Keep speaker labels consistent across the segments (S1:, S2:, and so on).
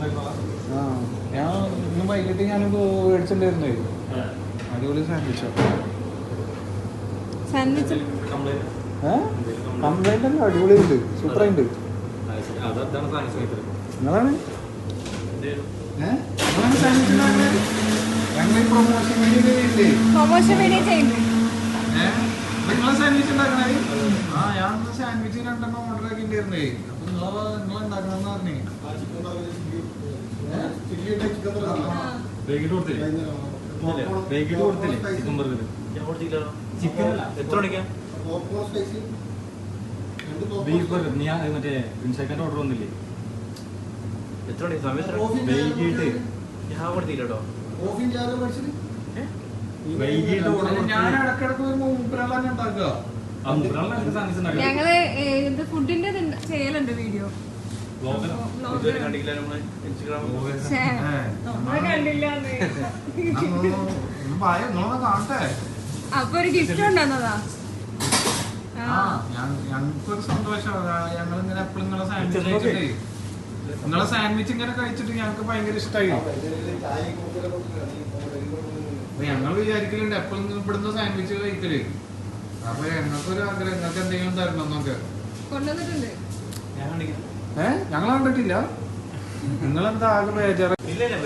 S1: ഞാൻ ഇന്ന് വൈകിട്ട് ഞാനിപ്പോ മേടിച്ചിട്ടുണ്ടായിരുന്നേ. അടിപൊളി സാൻഡ്വിച്ചോ. കംപ്ലൈന്റ് അല്ല, അടിപൊളി ഉണ്ട്, സൂപ്പറായിട്ടുണ്ട്. നിങ്ങളാണ് ഞങ്ങൾ പ്രൊമോഷൻ വീഡിയോ ചെയ്യുന്നത്. നിങ്ങളെ സാൻഡ്വിച്ച് ഉണ്ടാക്കണേ. ഞാൻ സാൻഡ്വിച്ച് 2 ഓർഡർ ആക്കിണ്ടായിരുന്നേ. അപ്പൊ നിങ്ങളുണ്ടാക്കണമെന്ന് പറഞ്ഞേ.
S2: മറ്റേ ഇൻസൈക്കാൻ്റെ ഓർഡർ വന്നില്ലേ?
S1: ഞാൻ ഇടക്കിടക്ക് മൂപ്പരാളാണ് ഉണ്ടാക്കുക.
S3: ഞങ്ങള് ഫുഡിന്റെ ചെയ്യലുണ്ട് വീഡിയോ.
S1: കാണട്ടെ.
S3: അപ്പൊ ഒരു ഗിഫ്റ്റ് ഉണ്ടെന്നതാ.
S1: ഞങ്ങൾക്കൊരു സന്തോഷം. ഞങ്ങളിങ്ങനെ എപ്പോഴും നിങ്ങളെ സാൻഡ്വിച്ച് കഴിച്ചിട്ടേ, നിങ്ങളെ സാൻഡ്വിച്ച് ഇങ്ങനെ കഴിച്ചിട്ട് ഞങ്ങൾക്ക് ഭയങ്കര ഇഷ്ടമായി. ഞങ്ങൾ വിചാരിക്കലുണ്ട് എപ്പോഴും ഇവിടുന്ന് സാൻഡ്വിച്ച് കഴിക്കല്. അപ്പൊ ഞങ്ങൾക്കൊരു ആഗ്രഹം, നിങ്ങൾക്ക് എന്തെങ്കിലും തരണം എന്നൊക്കെ. ഞങ്ങൾ കണ്ടിട്ടില്ല. നിങ്ങളെന്താ ആകെ ബേജാറ്?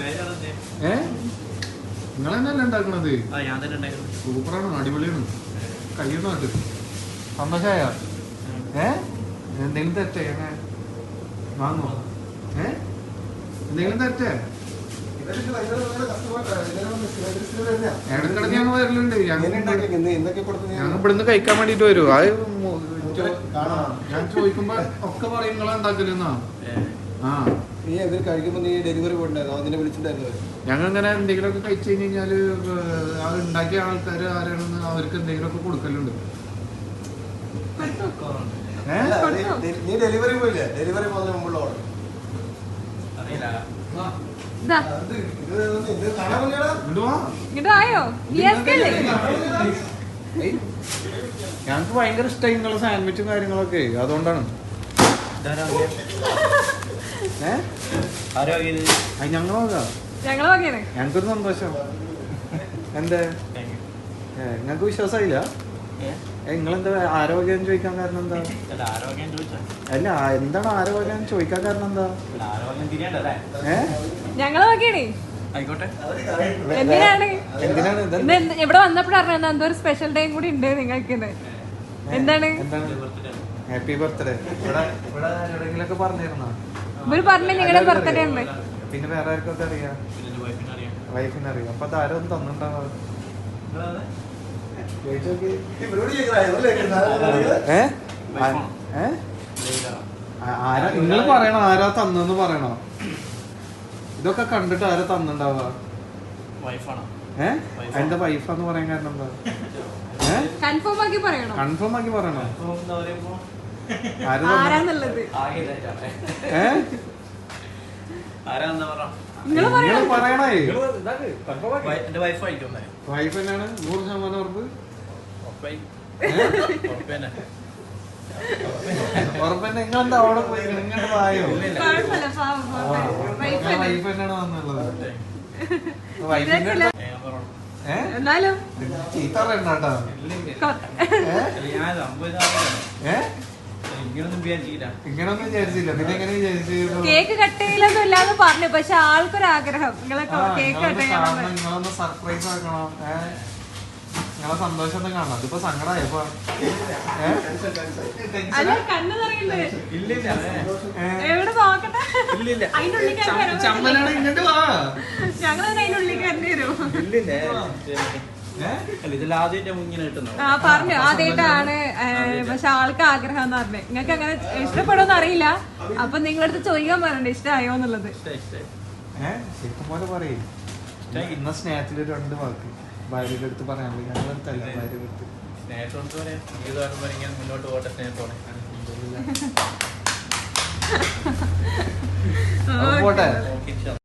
S1: നിങ്ങൾ തന്നെയല്ലേ ഉണ്ടാക്കണത്? സൂപ്പറാണ്, അടിപൊളിയാണ്. കഴിയുന്നുണ്ട്. സന്തോഷമായ എന്തെങ്കിലും തെറ്റേ വാങ്ങോ? എന്തെങ്കിലും തെറ്റേ? ഇടക്കിടക്ക് ഞങ്ങൾ വരലുണ്ട്. ഞങ്ങൾ ഇവിടുന്ന് കഴിക്കാൻ വേണ്ടിട്ട് വരും. അത് ഞാൻ ചോദിക്കുമ്പോ ഒക്കെ പറയും നിങ്ങളെ ഉണ്ടാക്കലെന്നാ. ഞങ്ങൾ ഇങ്ങനെ എന്തെങ്കിലുമൊക്കെ കഴിച്ചു കഴിഞ്ഞാല് അത് ഉണ്ടാക്കിയ ആൾക്കാർ ആരാണെന്ന് അവർക്ക് എന്തെങ്കിലുമൊക്കെ കൊടുക്കലുണ്ട്.
S4: ഡെലിവറി പോയില്ലേ? ഡെലിവറി പോകുന്ന മുമ്പുള്ള ഓർഡർ
S1: ഞങ്ങക്ക് ഭയങ്കര ഇഷ്ടമായി നിങ്ങളെ സാൻഡ്വിച്ചും കാര്യങ്ങളൊക്കെ. അതുകൊണ്ടാണ് ഞങ്ങൾക്കൊരു സന്തോഷം. എന്താ നിങ്ങക്ക് വിശ്വാസമായില്ല? നിങ്ങളെന്താ ആരോഗ്യം ചോദിക്കാൻ കാരണം എന്താ? അല്ല, എന്താണ് ആരോഗ്യം ചോദിക്കാൻ കാരണം എന്താ?
S3: എന്തിനാണ് ഇവിടെ വന്നപ്പോഴാണ് എന്തോ ഒരു സ്പെഷ്യൽ ഡേയും കൂടി ഉണ്ട് നിങ്ങൾക്ക്. എന്താണ്
S1: ഹാപ്പി ബർത്ത്ഡേ? ഇവിടെ എവിടെയെങ്കിലൊക്കെ പറഞ്ഞിരുന്നോ?
S3: ഇവര് പറഞ്ഞ നിങ്ങളുടെ ബർത്ത്ഡേ ഉണ്ട്.
S1: പിന്നെ വേറെ ആർക്കൊക്കെ അറിയാം? വൈഫിന് അറിയാം. അപ്പൊ അതാരും തന്നിട്ടുണ്ടാവും. നിങ്ങൾ പറയണോ ആരാ തന്നെന്ന് പറയണോ? ഇതൊക്കെ കണ്ടിട്ട് ആരാ തന്നിണ്ടാവുക? എന്റെ വൈഫാന്ന് പറയാൻ കാരണം എന്താ?
S3: കൺഫേം ആക്കി പറയണോ?
S1: കൺഫേം ആക്കി പറയണോ? പറയണേ. വൈഫ് തന്നെയാണ് 100% ഉറപ്പ്. ഉറപ്പന്നെ. നിങ്ങളെന്താ അവിടെ പോയി നിങ്ങളുടെ വായോ? വൈഫ് തന്നെയാണ് വന്നുള്ളത്. ചീത്ത പറയണ്ടാ. ഇങ്ങനൊന്നും വിചാരിച്ചില്ല. പിന്നെ എങ്ങനെ വിചാരിച്ചു?
S3: കേക്ക് കട്ട് ചെയ്യലൊന്നും ഇല്ലാന്ന് പറഞ്ഞു. പക്ഷെ ആൾക്കൊരാഗ്രഹം
S1: നിങ്ങളൊന്ന് സർപ്രൈസ് ആക്കണം. നിങ്ങളെ സന്തോഷം ഒന്ന് കാണണം. അതിപ്പോ സങ്കടമായപ്പോ ചമ്മലാണ്. ഇങ്ങോട്ട് വാ.
S3: പറഞ്ഞു ആദ്യമായിട്ടാണ്. പക്ഷെ ആൾക്ക് ആഗ്രഹം എന്ന് പറഞ്ഞു. നിങ്ങൾക്ക് അങ്ങനെ ഇഷ്ടപ്പെടുമെന്ന് അറിയില്ല. അപ്പൊ നിങ്ങളടുത്ത് ചോദിക്കാൻ പറയണ്ടേ ഇഷ്ടമായോ എന്നുള്ളത്.
S1: പോലെ പറയും. ഇന്ന സ്നേഹത്തിൽ 2 വാക്ക് ഭാര്യയുടെ അടുത്ത് പറയാനുള്ളൂ. ഞങ്ങളടുത്തല്ല, ഭാര്യയുടെ അടുത്ത്.
S4: മുന്നോട്ട് പോട്ടെ സ്നേഹത്തോടെ.
S1: പോട്ടെ.